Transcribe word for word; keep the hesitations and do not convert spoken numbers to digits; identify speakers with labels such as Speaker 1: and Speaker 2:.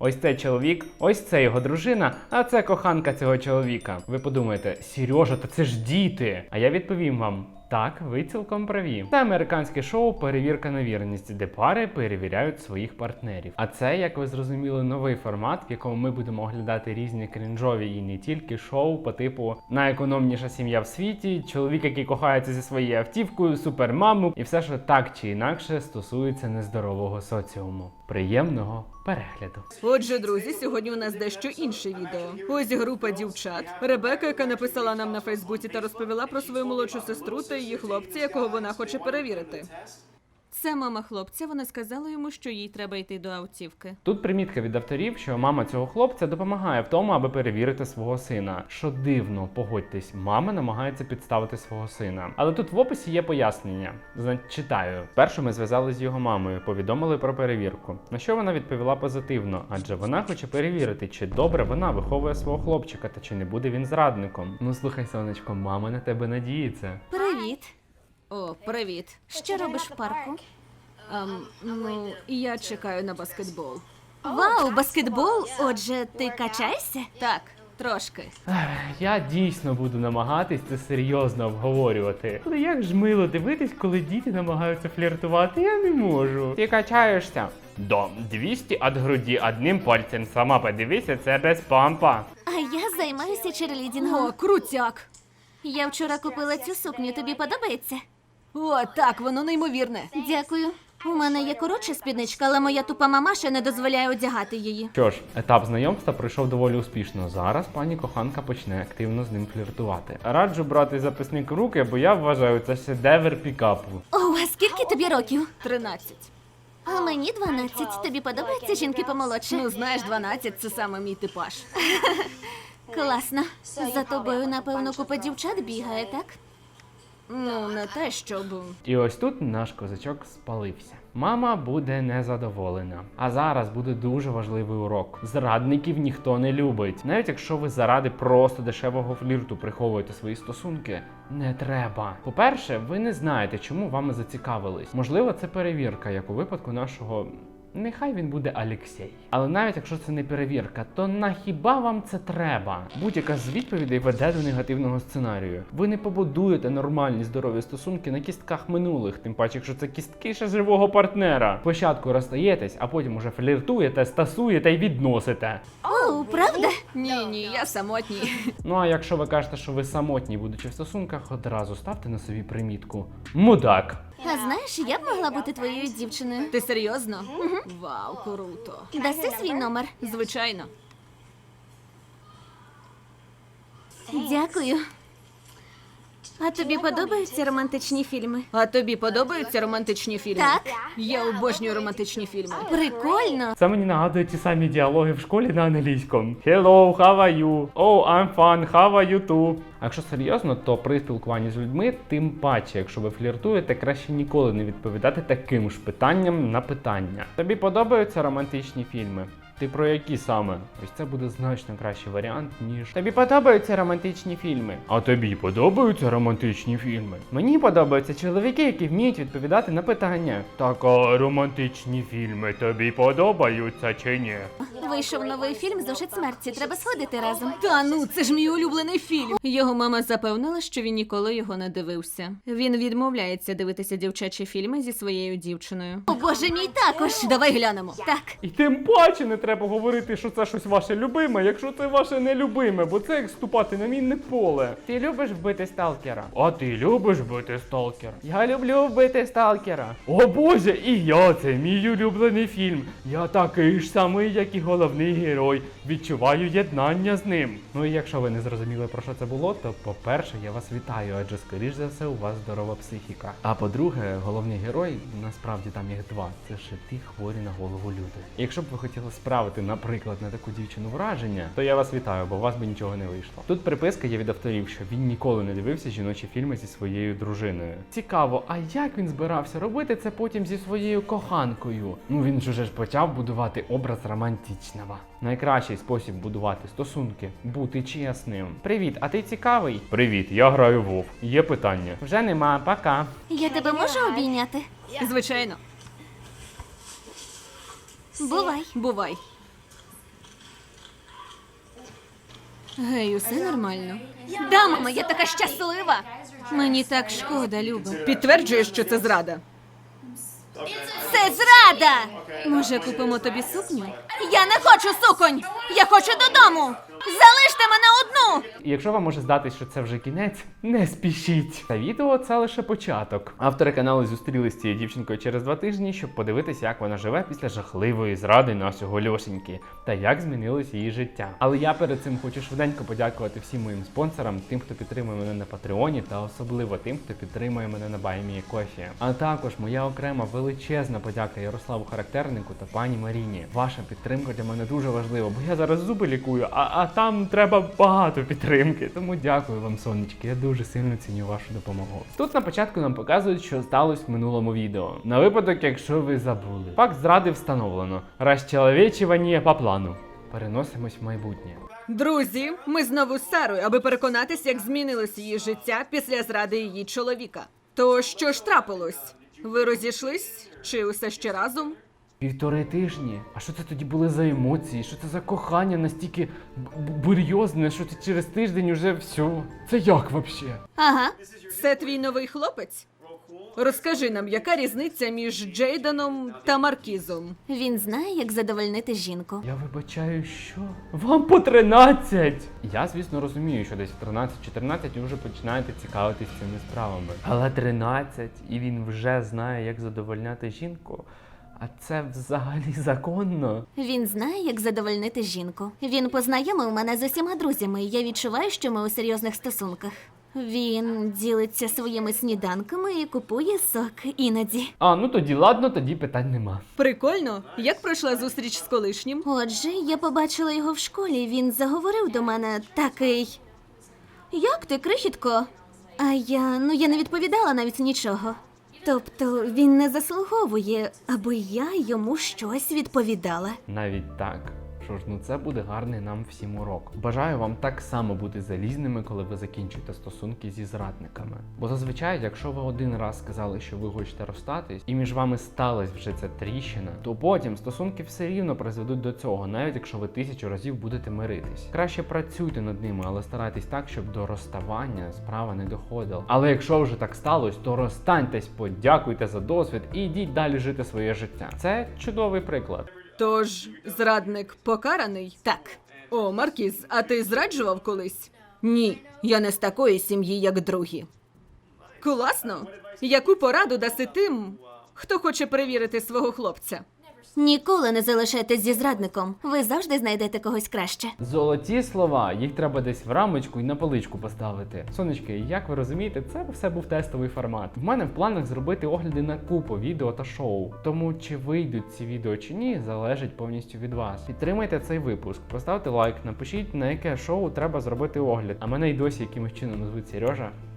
Speaker 1: Ось цей чоловік, ось це його дружина, а це коханка цього чоловіка. Ви подумаєте, Сережа, та це ж діти. А я відповім вам. Так, ви цілком праві. Це американське шоу «Перевірка на вірність», де пари перевіряють своїх партнерів. А це, як ви зрозуміли, новий формат, в якому ми будемо оглядати різні крінжові і не тільки шоу по типу «Найекономніша сім'я в світі», «Чоловік, який кохається зі своєю автівкою», «Супермаму» і все, що так чи інакше стосується нездорового соціуму. Приємного перегляду.
Speaker 2: Отже, друзі, сьогодні у нас дещо інше відео. Ось група дівчат. Ребека, яка написала нам на Фейсбуці та розповіла про свою молодшу сестру та її хлопця, якого вона хоче перевірити. Це мама хлопця, вона сказала йому, що їй треба йти до автівки.
Speaker 1: Тут примітка від авторів, що мама цього хлопця допомагає в тому, аби перевірити свого сина. Що дивно, погодьтесь, мама намагається підставити свого сина. Але тут в описі є пояснення. Значить, читаю. Першу ми зв'язали з його мамою, повідомили про перевірку. На що вона відповіла позитивно, адже вона хоче перевірити, чи добре вона виховує свого хлопчика, та чи не буде він зрадником. Ну слухай, сонечко, мама на тебе надіється.
Speaker 3: Привіт.
Speaker 2: О, привіт.
Speaker 3: Що робиш в парку?
Speaker 2: Ем, ну, я чекаю на баскетбол.
Speaker 3: Вау, баскетбол? Отже, ти качаєшся?
Speaker 2: Так, трошки.
Speaker 1: Ех, Я дійсно буду намагатись це серйозно обговорювати. Але як ж мило дивитись, коли діти намагаються фліртувати, я не можу. Ти качаєшся? До двісті від груді одним пальцем. Сама подивися, це без пампа.
Speaker 3: А я займаюся черлідінгом.
Speaker 2: О, крутяк.
Speaker 3: Я вчора купила цю сукню, тобі подобається?
Speaker 2: О, так, воно неймовірне.
Speaker 3: Дякую. У мене є коротша спідничка, але моя тупа мамаша не дозволяє одягати її.
Speaker 1: Що ж, етап знайомства пройшов доволі успішно. Зараз пані коханка почне активно з ним фліртувати. Раджу брати записник в руки, бо я вважаю, це шедевр пікапу.
Speaker 3: О, а скільки тобі років?
Speaker 2: Тринадцять.
Speaker 3: А мені дванадцять. Тобі подобаються жінки помолодше?
Speaker 2: Ну, знаєш, дванадцять – це саме мій типаж.
Speaker 3: Класно. За тобою, напевно, купа дівчат бігає, так?
Speaker 2: Ну, не те, щоб...
Speaker 1: І ось тут наш козачок спалився. Мама буде незадоволена. А зараз буде дуже важливий урок. Зрадників ніхто не любить. Навіть якщо ви заради просто дешевого флірту приховуєте свої стосунки, не треба. По-перше, ви не знаєте, чому вами зацікавились. Можливо, це перевірка, як у випадку нашого... Нехай він буде Алексей. Але навіть якщо це не перевірка, то нахіба вам це треба? Будь-яка з відповідей веде до негативного сценарію. Ви не побудуєте нормальні здорові стосунки на кістках минулих, тим паче, якщо це кістки ще живого партнера. Спочатку розстаєтесь, а потім уже фліртуєте, стасуєте і відносите.
Speaker 3: О, правда?
Speaker 2: Ні, ні, я самотній.
Speaker 1: Ну а якщо ви кажете, що ви самотні, будучи в стосунках, одразу ставте на собі примітку «Мудак».
Speaker 3: А знаєш, я б могла бути твоєю дівчиною.
Speaker 2: Ти серйозно? Вау, круто.
Speaker 3: Даси свій номер.
Speaker 2: Звичайно.
Speaker 3: Дякую. А тобі подобаються романтичні фільми?
Speaker 2: А тобі подобаються романтичні фільми?
Speaker 3: Так.
Speaker 2: Я обожнюю романтичні фільми.
Speaker 3: Прикольно.
Speaker 1: Це мені нагадує ті самі діалоги в школі на англійському. Hello, how are you? Oh, I'm fun, how are you too? А якщо серйозно, то при спілкуванні з людьми, тим паче, якщо ви фліртуєте, краще ніколи не відповідати таким ж питанням на питання. Тобі подобаються романтичні фільми? Ти про які саме? Ось це буде значно кращий варіант, ніж тобі подобаються романтичні фільми. А тобі подобаються романтичні фільми? Мені подобаються чоловіки, які вміють відповідати на питання. Так, а романтичні фільми тобі подобаються чи ні?
Speaker 3: Вийшов новий фільм «Зошит смерті». Треба сходити разом.
Speaker 2: Та ну, це ж мій улюблений фільм. Його мама запевнила, що він ніколи його не дивився. Він відмовляється дивитися дівчачі фільми зі своєю дівчиною.
Speaker 3: О, боже мій, також.
Speaker 2: Давай глянемо.
Speaker 3: Так.
Speaker 1: І тим паче не треба говорити, що це щось ваше любиме, якщо це ваше нелюбиме, бо це як ступати на мінне поле. Ти любиш вбити сталкера? А ти любиш вбити сталкера? Я люблю вбити сталкера. О боже, і я, це мій улюблений фільм. Я такий ж самий, як і головний герой. Відчуваю єднання з ним. Ну і якщо ви не зрозуміли, про що це було, то по-перше, я вас вітаю, адже скоріш за все у вас здорова психіка. А по-друге, головний герой, насправді там їх два, це ще ті хворі на голову люди. Якщо б ви хотіли справити, наприклад, на таку дівчину враження, то я вас вітаю, бо у вас би нічого не вийшло. Тут приписка є від авторів, що він ніколи не дивився жіночі фільми зі своєю дружиною. Цікаво, а як він збирався робити це потім зі своєю коханкою? Ну він ж уже ж почав будувати образ романтичного. Найкращий спосіб будувати стосунки – бути чесним. Привіт, а ти цікавий? Привіт, я граю в WoW. Є питання? Вже нема, пока.
Speaker 3: Я тебе можу обійняти?
Speaker 2: Звичайно.
Speaker 3: Бувай.
Speaker 2: Бувай. Гей, усе нормально.
Speaker 3: Да, мама, я така щаслива. Мені так шкода, Люба.
Speaker 2: Підтверджуєш, що це зрада.
Speaker 3: Це зрада!
Speaker 2: Може, купимо тобі сукню?
Speaker 3: Я не хочу суконь! Я хочу додому! Залиште мене одну!
Speaker 1: І якщо вам може здатись, що це вже кінець, не спішіть. Та відео це лише початок. Автори каналу зустрілися з цією дівчинкою через два тижні, щоб подивитися, як вона живе після жахливої зради нашого Льошеньки та як змінилось її життя. Але я перед цим хочу швиденько подякувати всім моїм спонсорам, тим, хто підтримує мене на Патреоні, та особливо тим, хто підтримує мене на BuyMeACoffee. А також моя окрема величезна подяка Ярославу Характернику та пані Маріні. Ваша підтримка для мене дуже важлива, бо я зараз зуби лікую, а, а там треба багато підтримки. Тому дякую вам, сонечки, я дуже сильно ціню вашу допомогу. Тут на початку нам показують, що сталося в минулому відео. На випадок, якщо ви забули. Факт зради встановлено. Розчеловечування по плану. Переносимось в майбутнє.
Speaker 2: Друзі, ми знову з Сарою, аби переконатись, як змінилось її життя після зради її чоловіка. То що ж трапилось? Ви розійшлись? Чи усе ще разом?
Speaker 1: Півтори тижні? А що це тоді були за емоції? Що це за кохання настільки б- бурйозне, що ти через тиждень уже все? Це як вообще?
Speaker 3: Ага.
Speaker 2: Це твій новий хлопець? Розкажи нам, яка різниця між Джейденом та Маркізом?
Speaker 3: Він знає, як задовольнити жінку.
Speaker 1: Я вибачаю, що? Вам по тринадцять! Я, звісно, розумію, що десь в тринадцять-чотирнадцять ви вже починаєте цікавитись цими справами. Але тринадцять, і він вже знає, як задовольняти жінку? А це взагалі законно?
Speaker 3: Він знає, як задовольнити жінку. Він познайомив мене з усіма друзями, і я відчуваю, що ми у серйозних стосунках. Він ділиться своїми сніданками і купує сок іноді.
Speaker 1: А, ну тоді ладно, тоді питань нема.
Speaker 2: Прикольно. Як пройшла зустріч з колишнім?
Speaker 3: Отже, я побачила його в школі, він заговорив до мене такий. Як ти, крихітко? А я, ну я не відповідала навіть нічого. Тобто він не заслуговує, аби я йому щось відповідала.
Speaker 1: Навіть так. Що ж, ну це буде гарний нам всім урок. Бажаю вам так само бути залізними, коли ви закінчуєте стосунки зі зрадниками. Бо зазвичай, якщо ви один раз сказали, що ви хочете розстатись, і між вами сталася вже ця тріщина, то потім стосунки все рівно призведуть до цього, навіть якщо ви тисячу разів будете миритись. Краще працюйте над ними, але старайтесь так, щоб до розставання справа не доходила. Але якщо вже так сталося, то розстаньтесь, подякуйте за досвід і йдіть далі жити своє життя. Це чудовий приклад.
Speaker 2: Тож, зрадник покараний?
Speaker 3: Так.
Speaker 2: О, Маркіз, а ти зраджував колись? Ні, я не з такої сім'ї, як другі. Класно. Яку пораду даси тим, хто хоче перевірити свого хлопця?
Speaker 3: Ніколи не залишайтесь зі зрадником. Ви завжди знайдете когось краще.
Speaker 1: Золоті слова, їх треба десь в рамочку і на поличку поставити. Сонечки, як ви розумієте, це все був тестовий формат. В мене в планах зробити огляди на купу відео та шоу. Тому чи вийдуть ці відео чи ні, залежить повністю від вас. Підтримайте цей випуск, поставте лайк, напишіть, на яке шоу треба зробити огляд. А мене й досі якимось чином назвуть Сережа.